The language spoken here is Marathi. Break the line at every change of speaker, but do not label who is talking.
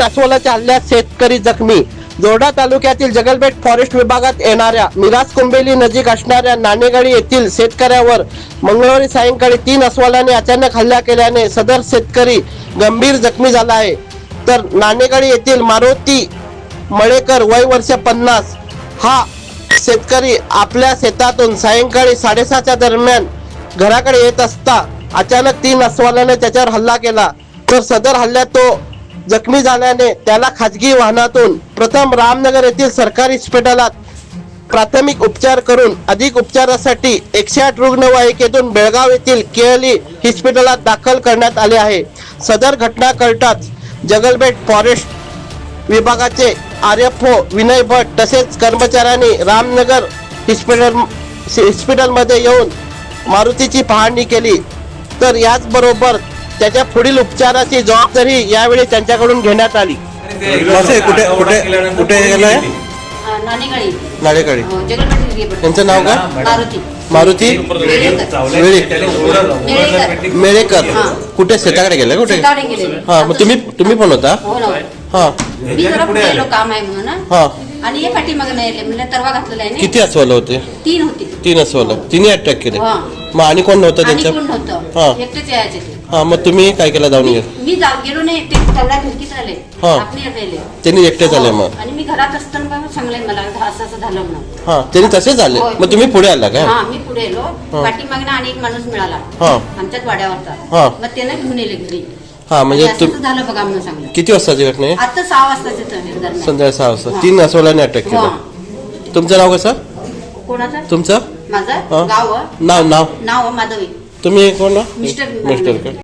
अस्वलाच्या हल्ल्यात शेतकरी जखमी. जोरडा तालुक्यातील जगलबेट फॉरेस्ट विभागात येणाऱ्या मिराज कुंबेली नजीक असणाऱ्या नाणेगाडी येथील शेतकऱ्यावर मंगळवारी सायंकाळी 3 अस्वलाने अचानक हल्ला केल्याने सदर शेतकरी गंभीर जखमी झाला आहे. तर नाणेगाडी येथील मारुती मळेकर वय वर्ष 50 हा शेतकरी आपल्या शेतातून सायंकाळी 7:30च्या दरम्यान घराकडे येत असता अचानक 3 अस्वलाने त्याच्यावर हल्ला केला. तर सदर हल्ल्यात तो जखमी झाल्याने त्याला खाजगी वाहनातून प्रथम रामनगर येथील सरकारी हॉस्पिटलात प्राथमिक उपचार करून अधिक उपचारासाठी 108 रुग्णवाहिकेतून बेळगाव येथील केएलई हॉस्पिटलात दाखल करण्यात आले आहे. सदर घटना कळताच जगलबेट फॉरेस्ट विभागाचे आरएफओ विनय भट तसेच कर्मचाऱ्यांनी रामनगर हॉस्पिटलमध्ये येऊन मारुतीची पाहणी केली. तर याचबरोबर त्याच्या पुढील उपचाराची जबाबदारी यावेळी त्यांच्याकडून घेण्यात आली.
कुठे कुठे कुठे गेलाय? नाणेगाडी. त्यांचं नाव काय? मारुती मेळेकर. कुठे शेताकडे गेले? कुठे? हा, मग तुम्ही पण होता? हा.
काम आहे म्हणून
हा.
आणि हे पाठीमागे नाही म्हणजे तरवा घातलेला आहे.
किती अस्वल होते?
3 होते.
3 अस्वल. तिन्ही अटॅक केले. मग आणि कोण नव्हतं त्यांच्या? हा.
एकटेच यायचे ते.
हा, मग तुम्ही काय केलं? जाऊन
मी गेलो नाही, एकटे तेवढ्या खिडकीत आले. आपण राहिले.
त्यांनी एकटे झाले. मग
आणि मी घरात असताना सांगले मला असं झालं म्हणून.
हा, त्यांनी तसे झाले. मग तुम्ही पुढे आला का?
हा, मी पुढे आलो. पाठीमागनं आणि एक माणूस मिळाला आमच्याच वाड्यावरचा. मग त्याने घेऊन येले घरी.
हा, म्हणजे
झालं बघा म्हणून सांगलं.
किती वाजताची घटना आहे?
आता 6 वाजताचे.
संध्याकाळी 6 वाजता 3 अस्वलाने अटॅक केला. तुमचं नाव कसं?
कोणाचं?
तुमचं
माझं गाव
नाव
नाव माधवी.
तुम्ही कोण?
मिस्टर